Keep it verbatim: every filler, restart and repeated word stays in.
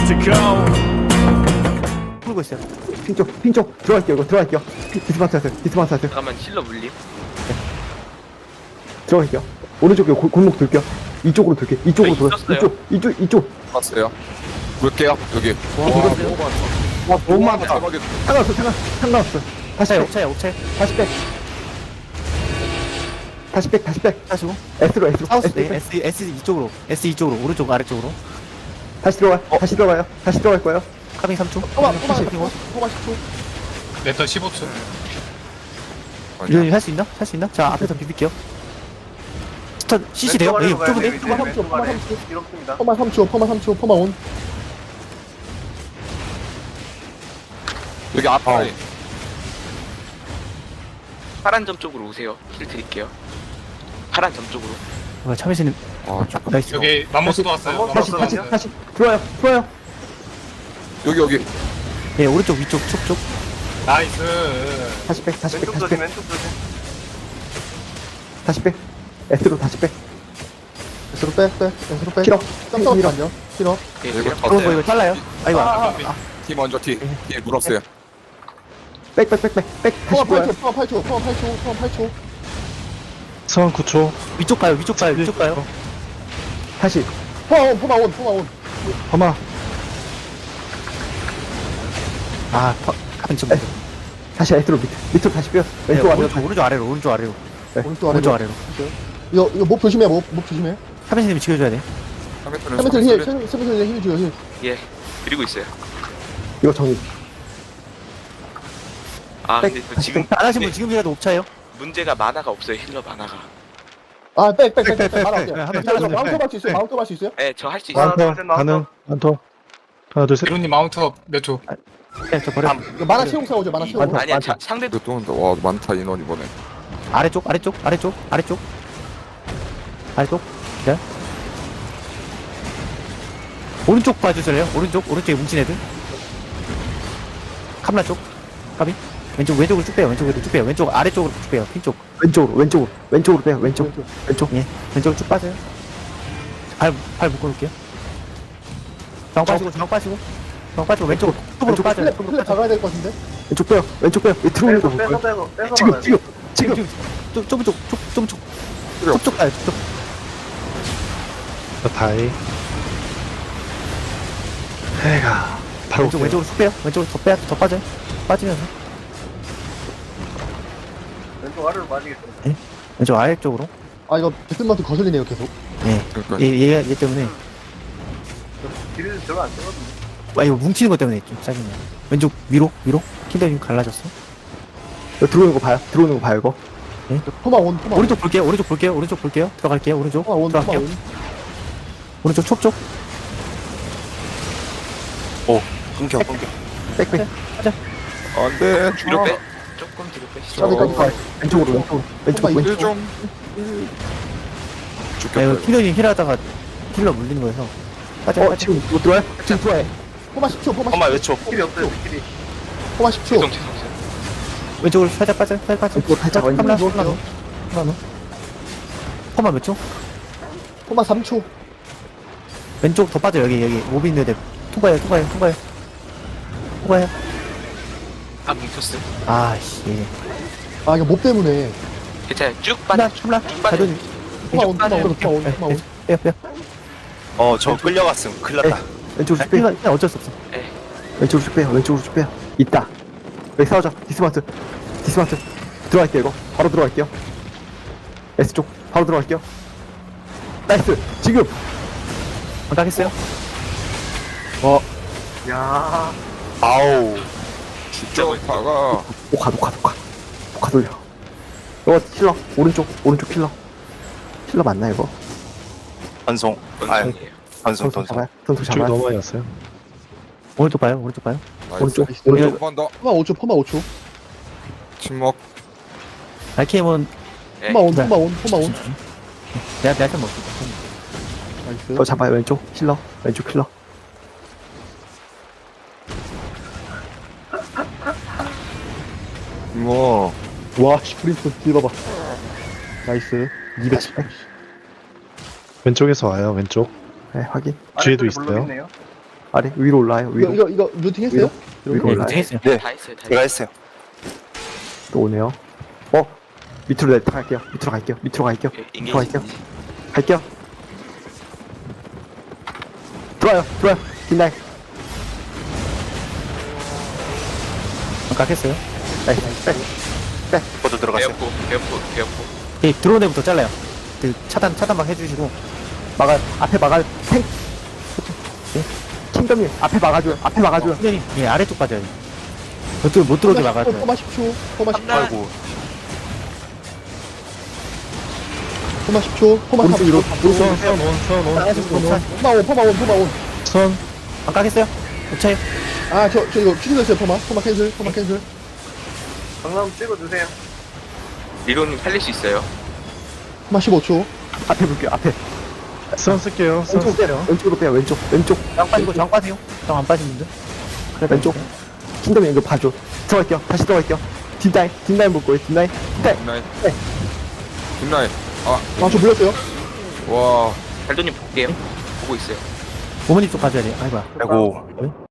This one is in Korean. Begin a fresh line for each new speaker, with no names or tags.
to go.
풀고 있어요.
핀쪽 핀쪽 들어갈게요. 이거 들어갈게요. 디스마트 하세요. 디스마트 하세요.
잠깐만 힐러 물림.
들어갈게요. 오른쪽에 골- 골목 돌게요. 이쪽으로 돌게. 이쪽으로
저희
돌아.
있었어요.
이쪽 이쪽 이쪽.
봤어요. 볼게요. 여기.
와,
와,
이거
너무 많다.
와 너무
와,
많다.
대박이다.
상관없어 상관 상관없어. 다시
옥차에
백
옥차에 옥차에
다시 백 다시 백 다시 백
하시고
S로 S로
사우스
S,
네 S S 이쪽으로 S 이쪽으로 오른쪽 아래쪽으로
다시 들어가. 다시 들어가요. 다시 들어갈 거예요.
카빙 삼 초.
포마 포마
카빙 오.
포마 십 초.
레터 십오 초.
이거 할수 있나? 할 수 있나? 자 앞에서 비빌게요. 스턴 씨씨 돼요? 예, 좁은데?
포마 삼 초. 포마 삼 초. 포마 삼 초. 포마 삼 초. 포마 온.
여기 앞에.
파란 점 쪽으로 오세요. 힐 드릴게요. 파란 점 쪽으로.
와 참이스님
아, 조금.
나이스.
여기 맘모스도 왔어요.
다시
맘모스도
다시
왔어요.
다시 들어와요. 들어와요.
여기 여기.
예 오른쪽 위쪽 촉촉.
나이스.
다시 백 다시 백 다시 백 다시 백 S로 다시 백
S로 빼 빼. S로 빼.
킬러
깜짝
킬러.
놀랐냐? 킬러.
예,
이거
힐러
더
이거
세.
이거 잘라요? 아이고
아,
T 먼저 T. T 물었어요.
백백백백백
포마
다시
팔
들어와요.
초. 포마 팔 초. 포마 팔 초. 포마 팔 초.
성원 구 초.
위쪽 가요 위쪽 가요 위쪽 가요.
다시
포마 온. 포마 온. 포마 온.
범아
아 파- 카빙 좀.
다시 S로 밑 밑으로 다시 빼요.
네,
왼쪽 아래로
오른쪽 오른쪽 아래로 오른쪽 아래로
오른쪽 아래로.
오른쪽 아래로.
이거 이거 목 조심해. 목, 목 조심해.
카빙님이 지켜줘야 돼.
세메틀 힐. 세메틀 힐 줘요. 힐.
예. 그리고 있어요.
이거 정리.
아 근데 저 지금
안 하신 분
네,
지금이라도 옵차요?
문제가 만화가 없어요. 힐러 만화가.
아, 백, 백, 백, 백,
백, 백,
말아.
백, 백. 한번
백,
잘라주세요.
마운트 할수 있어요? 마운트 할수 있어요?
예, 저 할 수 있어요.
마운터 가능. 마운터. 하나 둘 셋.
이론님 마운트업 몇 초?
네, 저 버려.
이거 만화 채우고 싸우죠. 만화 채우고.
맞아.
아니야, 자, 상대도
또 온다. 와, 많다 인원 이번에.
아래쪽 아래쪽 아래쪽 아래쪽 아래쪽 기다려. 오른쪽 봐주실래요? 오른쪽 오른쪽에 뭉친 애들. 카메라 쪽 까비. 왼쪽 왼쪽으로 쭉 빼요. 왼쪽으로 쭉 빼요. 왼쪽 아래쪽으로 쭉 빼요. 핀쪽.
왼쪽으로 왼쪽으로 왼쪽으로 빼요. 왼쪽 왼쪽.
예. 왼쪽으로 쭉 빠져요. 발발 묶어놓을게요. 정 빠지고 정 빠지고 정 빠지고 왼쪽으로 톡으로
왼쪽
빠져요.
플랫,
톡으로
플랫
빠져.
박아야 될 것 같은데?
왼쪽 빼요. 왼쪽 빼요. 이 들어오는 거 볼까요?
빼서 빼서
지금 지금 지금
지금 좀 좁은 쪽, 쪽, 좁은 쪽,
필요
쪽, 쪽 가요, 쪽.
자, 다이. 해가. 바로
왼쪽,
올게요.
왼쪽으로 쭉 빼요. 왼쪽으로 더 빼, 더 빠져요. 빠지면서.
왼쪽 아래로 빠지겠어.
왼쪽 아래쪽으로.
아, 이거 배틀마트 거슬리네요, 계속.
예.
그러니까
얘, 얘, 얘 때문에.
길을 별로 안 쓰거든요.
아, 이거 뭉치는 것 때문에 좀 짜증나요. 왼쪽 위로, 위로. 킨더님 갈라졌어.
이거 들어오는 거 봐요. 들어오는 거 봐요. 이거
포마 온, 포마 온.
오른쪽 볼게요, 오른쪽 볼게요, 오른쪽 볼게요. 들어갈게요, 오른쪽.
포마 온, 포마
들어갈게요.
온.
오른쪽 촉 쪽.
끊겨, 끊겨.
백백
안 돼.
뒤로 빼. 조금 뒤로 빼시죠.
까비, 까비, 까비.
왼쪽으로 왼쪽으로 왼쪽
포마
왼쪽.
일 좀.
아,
죽겠다.
이거
이거.
킨더님 힐하다가 힐러 물리는 거여서. 빠져,
어
빠져.
지금 이거 들어와요? 지금 들어와요.
포마 십 초, 포마 십 초.
엄마 몇 초?
길이 없어요, 길이.
포마 십 초.
죄송, 죄송, 죄송.
왼쪽으로 살짝 빠져, 살짝 빠져.
왼쪽으로 살짝 왼쪽.
카메라, 카메라, 카메라. 퍼마 몇 초?
포마 삼 초.
왼쪽 더 빠져 여기 여기 모비 있는데 통과해요 통과해요 통과해요 통과해요.
아, 뭉쳤어요.
아씨 예.
아, 이거 못 때문에.
괜찮아요. 쭉
콜라
빠져.
콜라
쭉 빠져.
자존
포마 온, 포마 온, 포마 온, 포마 온.
빼요 빼요.
어, 저 끌려갔음. 큰일 났다.
왼쪽으로 쭉 빼요.
이건 그냥 어쩔 수 없어.
예.
왼쪽으로 쭉 빼요. 왼쪽으로 쭉 빼요. 있다. 여기 싸우자. 디스마트. 디스마트. 들어갈게요 이거. 바로 들어갈게요. S 쪽. 바로 들어갈게요. 나이스. 지금.
안가겠어요?
야,
아우.
진짜 다가.
녹화 녹화 녹화. 녹화 돌려. 이거 킬러. 오른쪽. 오른쪽 킬러. 킬러 맞나 이거?
반송. 아유,
번성이에요.
반송,
선수
반송.
잡아요. 선수
쭉
잡아요.
너무 많이 왔어요.
오른쪽 봐요 오른쪽 봐요.
오른쪽.
나이스.
오른쪽.
한번 더.
포마 오 초, 포마 오 초.
침묵.
알케임은
예.
포마 온,
네.
포마 온, 포마 온.
내가 내가 좀 먹을게.
나이스.
저 잡아요. 왼쪽 킬러. 왼쪽 킬러.
뭐.
와, 씨, 프린스, 딜 봐봐. 나이스. 이백십.
왼쪽에서 와요. 왼쪽.
네 확인.
뒤에도
아래쪽에
있어요.
블록 있네요.
아래 위로 올라와요.
이거
위로
이거 이거 루팅 했어요?
위로
네,
올라와요.
루팅 했어요.
네,
다 했어요 다
제가
했어요.
했어요.
또 오네요. 어 밑으로 내려갈게요. 밑으로 갈게요. 밑으로 갈게요.
오케이,
밑으로
인게이지.
갈게요. 갈게요. 들어와요. 들어와요. 뒷날.
잠깐 했어요.
나이스. 백.
저도 들어갔어요.
배어포 배어포 배어포.
이 들어온 애부터 잘라요. 그 차단 차단막 해주시고
막아. 앞에 막아. 탱. 킹덤님 앞에 막아줘요. 앞에 막아줘요.
후대님 예 아래쪽 빠져요. 저쪽 못 들어오게 막아줘요.
포마 십 초. 포마 십 초.
아이고,
포마 십 초. 포마 삼
오른쪽 위로.
초.
수원, 수원 온, 수원 온,
빠지고
수원 온.
포마 온. 포마 온. 포마 온.
수원,
잠깐 했어요. 오차요.
아, 저, 저 이거 취소됐어요, 포마. 포마 캔슬. 포마 캔슬.
강남 찍어주세요.
리로님 살릴 수 있어요.
포마 십오 초.
앞에 볼게요. 앞에.
수원 쓸게요. 수원
왼쪽 빼요.
쓸게요.
왼쪽으로 빼요. 왼쪽. 왼쪽.
장 빠지고 장 빠세요. 장 안 빠진 분들.
그래 왼쪽. 킹덤님 이거 봐줘. 들어갈게요. 다시 들어갈게요. 뒷라인. 뒷라인 볼 거예요. 뒷라인. 뒷라인.
뒷라인.
네.
뒷라인. 아,
아, 저 물렸어요.
와.
달도님 볼게요. 보고 있어요.
어머니 쪽 가져야 돼. 아이고야.
아이고.